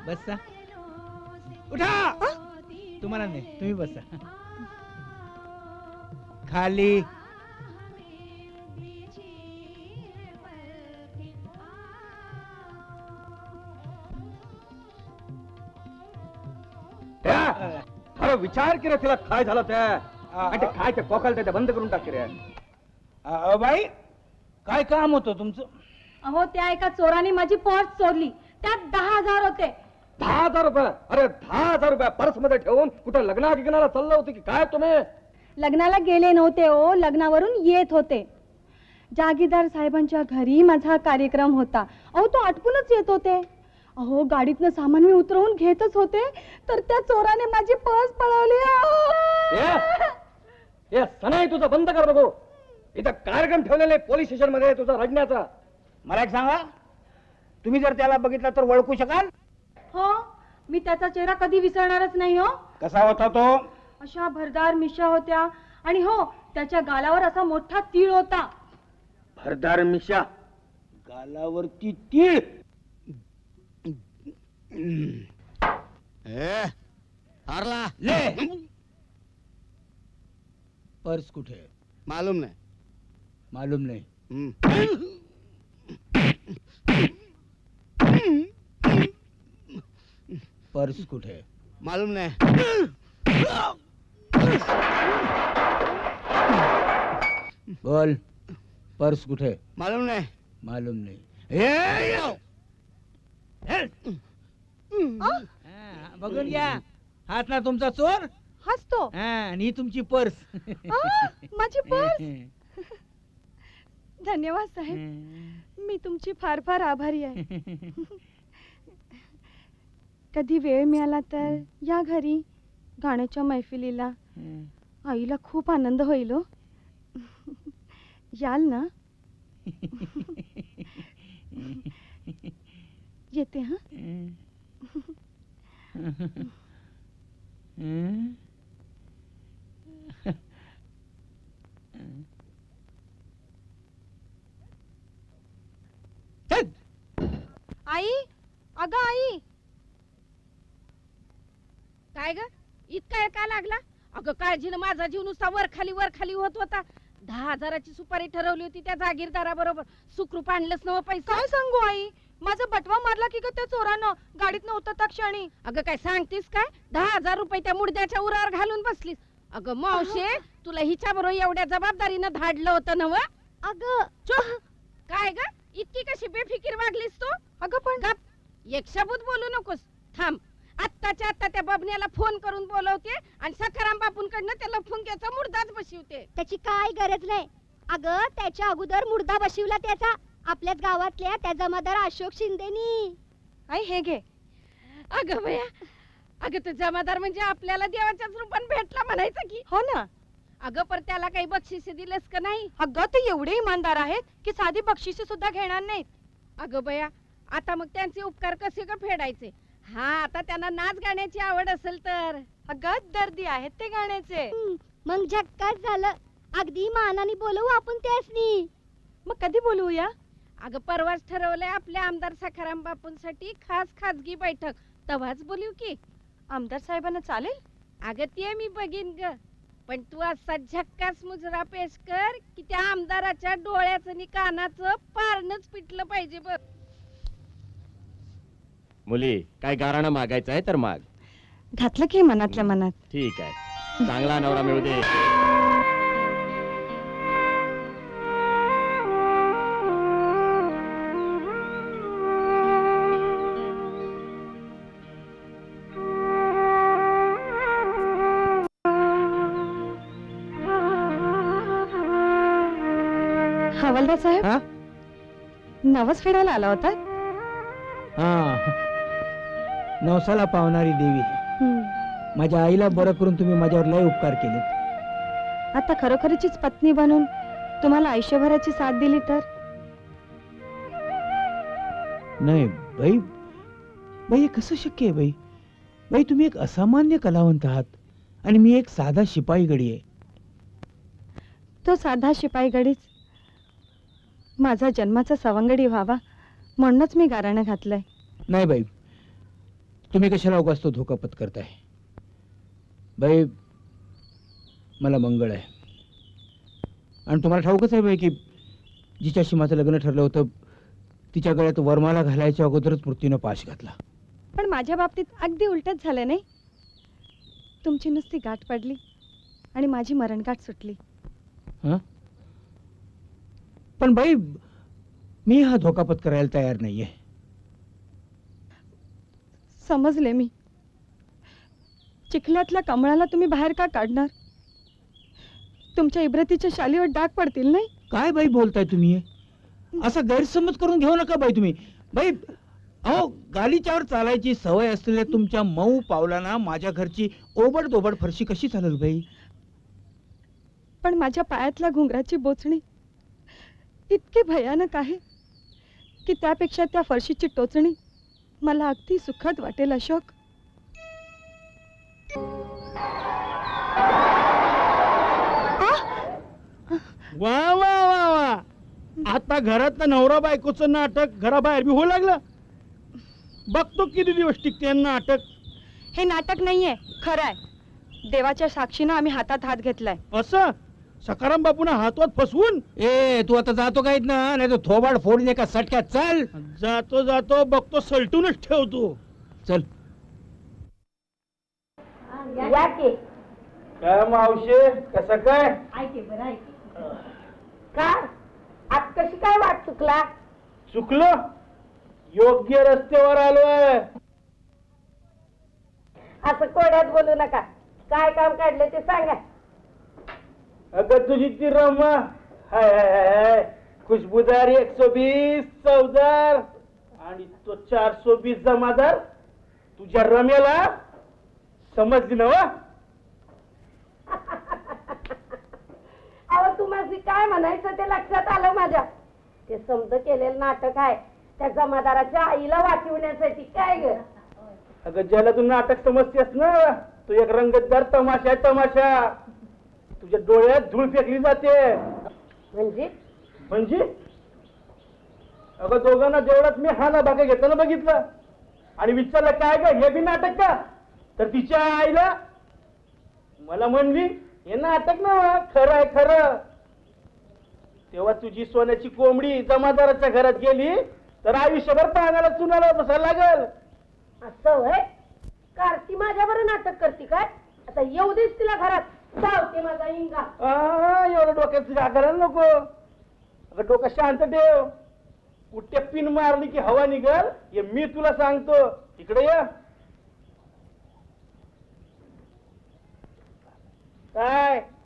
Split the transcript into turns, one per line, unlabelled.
बसा. उठा. तुम्हाला नाही, तुम्ही बसा. खाली.
अरे विचार की रे, तिला काय झालं त्या काय ते कोकाल त्या बंद करून टाक रे.
बाई काय काम होतं तुमचं?
अहो त्या एका चोराने माझी पर्स चोरली, त्यात 10,000 होते.
10,000 रुपये? अरे 10,000 रुपये पर्स मध्ये ठेवून कुठं लग्नाला चाललं होते की काय तुम्ही?
लग्नाला गेले नव्हते हो, लग्नावरून येत होते. जागीरदार साहेबांच्या घरी माझा कार्यक्रम होता. अहो तो आटपूनच येत होते. अहो गाडीतनं सामान मी उतरवून घेतच होते तर त्या चोराने माझी पर्स पळवली.
ए सनाई तुझं बंद कर बघू. इथं कार्यक्रम ठेवलेले पोलीस स्टेशन मध्ये तुझा रडण्याचा.
मला एक सांगा, तुम्ही जर त्याला बघितलं तर ओळखू शकाल?
हो, मी त्याचा चेहरा कधी विसरणारच नाही. हो,
कसा होता तो?
अशा भरदार मिशा होत्या आणि हो त्याच्या गालावर असा मोठा तीळ होता.
भरदार मिशा,
गालावरती तीळ.
हारला.
ले. पर्स कुठे?
मालूम नाही.
मालूम नाही. पर्स कुठे?
मालूम नाही.
बोल, पर्स कुठे?
मालूम नाही.
मालूम नाही. बघून घ्या, हाच ना तुमचा चोर.
हसतो.
आणि ही तुमची पर्स.
माझी पर्स. धन्यवाद साहेब, मी तुमची फार फार आभारी आहे. कधी वेळ मिळाला तर या घरी गाण्याच्या मैफिलीला. आईला खूप आनंद होईल. हो, याल ना? येते. हा, आई. अगं आई.
काय ग, इतका वेळ का लागला? अगं काळजीनं माझा जीव नुसता वर खाली होत होता. 10,000ची सुपारी ठरवली होती त्या जागीरदाराबरोबर. सुखरूप आणलंच नव पैसा.
काय सांगू आई, माझा बटवा मारला की ग त्या चोरानं गाडीतनं उतरता क्षणी.
अगं काय सांगतीस काय? 10,000 रुपये त्या मुडद्याच्या उरावर घालून बसलीस. अगं मावशे, तुला हिच्या बरोबर एवढ्या जबाबदारीनं धाडलं होतं नव?
अगं
चुप. काय ग, इतकी कशी बेफिकीर वागलीस तू?
अगं पण
गप, एक शब्द बोलू नकोस. थांब, आत्ताच्या आत्ता त्या बबन्याला फोन करून बोलवते आणि सखाराम बापूंकडनं त्याला फुंक्याचा मुर्दाच बसवते.
त्याची काय गरज नाही. अगं त्याच्या अगोदर मुर्दा बसवला त्याचा आपल्याच गावातल्या त्या जमादार अशोक शिंदेनी.
आई हे घे.
अगं बया, अगं तो जमादार म्हणजे आपल्याला देवाच्याच रूपान भेटला म्हणायचं की.
हो ना.
अगं पर त्याला काही बक्षिसे दिलंस का नाही?
अगं ते एवढे इमानदार आहेत की साधी बक्षिसे सुद्धा घेणार नाहीत.
अगं बया, आता मग त्यांचे उपकार कसे का फेडायचे? हा, आता त्यांना नाच गाण्याची आवड असेल तर.
अगं दर्दी आहेत ते गाण्याचे.
मग झक्काच झालं. अगदी मानाने बोलवू आपण त्यासनी.
मग कधी बोलवूया?
अगं परवाच ठरवलंय आपल्या आमदार सखाराम बापूंसाठी खास खाजगी बैठक. तवाच बोलू की.
आमदार साहेबांना चालेल?
अगं ते मी बघीन ग, पण तू असा झक्कास मुजरा पेश कर की त्या आमदाराच्या डोळ्याचं आणि कानाचं पारणच पिटलं पाहिजे बघ.
मुली, काय गाराणं मागायचं आहे तर माग.
घातलं की मनातल्या मनात.
ठीक आहे, चांगला नवरा मिळू दे.
हवालदार साहेब, नवस फेडायला आला होता?
नवसाला पावणारी देवी, माझ्या आईला बरं करून तुम्ही माझ्यावर लय उपकार केलेत.
आता खरोखरीचीच पत्नी बनून तुम्हाला आयुष्यभराची साथ दिली तर?
नाही बाई, बाई हे कसं शक्य आहे बाई? बाई तुम्ही एक असामान्य कलावंत आहात आणि मी एक साधा शिपाई गडी आहे.
तो साधा शिपाई गडीच माझा जन्माचा सवंगडी व्हावा म्हणूनच मी गाराणं घातलंय.
नाही बाई, तुम्ही कशाला उगाच तो धोका पत्करताय? बाई, मला मंगळ आहे आणि तुम्हाला ठाऊकच आहे बाई की जिच्याशी माझं लग्न ठरलं होतं तिच्या गळ्यात वरमाला घालायच्या अगोदरच मृत्यूनं पाश घातला.
पण माझ्या बाबतीत अगदी उलटच झालं नाही. तुमची नुसती गाठ पडली आणि माझी मरणगाठ सुटली.
हं? पण बाई, मी हा धोका पत्करायला तयार नाहीये.
समजले मी. चिखल्यातल्या कमळाला तुम्ही बाहेर का काढणार? तुमच्या इब्रतीच्या शालीवर डाग पडतील नाही?
काय बाई बोलताय तुम्ही हे? असा गैरसमज करून घेऊ नका बाई तुम्ही. बाई, अहो, गालीच्यावर चालायची सवय असलेल्या तुमच्या मऊ पावलांना माझ्या घरची ओबड दोबड फरशी कशी चालेल बाई?
पण माझ्या पायातल्या घुंगराची बोचणी इतकी भयानक आहे की त्यापेक्षा त्या फरशीची टोचणी मला अगदी सुखद वाटेल. अशोक,
वा वा वा वा, आता घरात नवरा बायकोचं नाटक घराबाहेर बी होऊ लागलं. बघतो किती दिवस टिकते नाटक.
हे नाटक नाहीये, खरं आहे. देवाच्या साक्षीनं आम्ही हातात हात घेतलाय.
असं सकाराम बापून हातवात फसवून
ए, तू आता जातो काहीत ना, नाही तर थोबाड फोडून एका सटक्यात. चल
जातो जातो बघतो सलटूनच ठेवतो.
चल.
काय मावशे, कसं काय?
का आज कशी काय वाट चुकला?
चुकलं? योग्य रस्त्यावर आलोय.
असं कोड्यात बोलू नका. काय काम काढलं ते सांगा.
अगं तुझी ती रमा, हाय हाय हाय हाय, खुशबुदार 120 चौदार आणि तो 420 जमादार. तुझ्या रमेला समजली ना वा?
अहो, तुम्हाला काय म्हणायचं ते लक्षात आलं माझ्या. ते समज केलेलं नाटक आहे त्या जमादाराच्या आईला वाचवण्यासाठी. काय ग?
अगं ज्याला तू नाटक समजतेस ना, तो एक रंगतदार तमाशा आहे, तमाशा. तुझ्या डोळ्यात धूळ फेकली जाते.
म्हणजे
म्हणजे अगं दोघांना जेवढाच मी हा ना भाग घेताना बघितलं आणि विचारलं काय ग हे बी नाटक का, तर तिच्या आईला मला म्हणली हे नाटक ना, खरं आहे खरं. तेव्हा तुझी सोन्याची कोंबडी जमादाराच्या घरात गेली तर आयुष्यभर पाण्याला चुनाला बसायला लागल.
असं होय? कार्ती माझ्यावर नाटक करते काय? आता येऊ देस तिला घरात. जावते माझा इंगा.
एवढं डोक्यात तुझ्या करायला नको. अगं डोकं शांत ठेव. कुठे पिन मारली की हवा निघल हे मी तुला सांगतो. इकडे ये. काय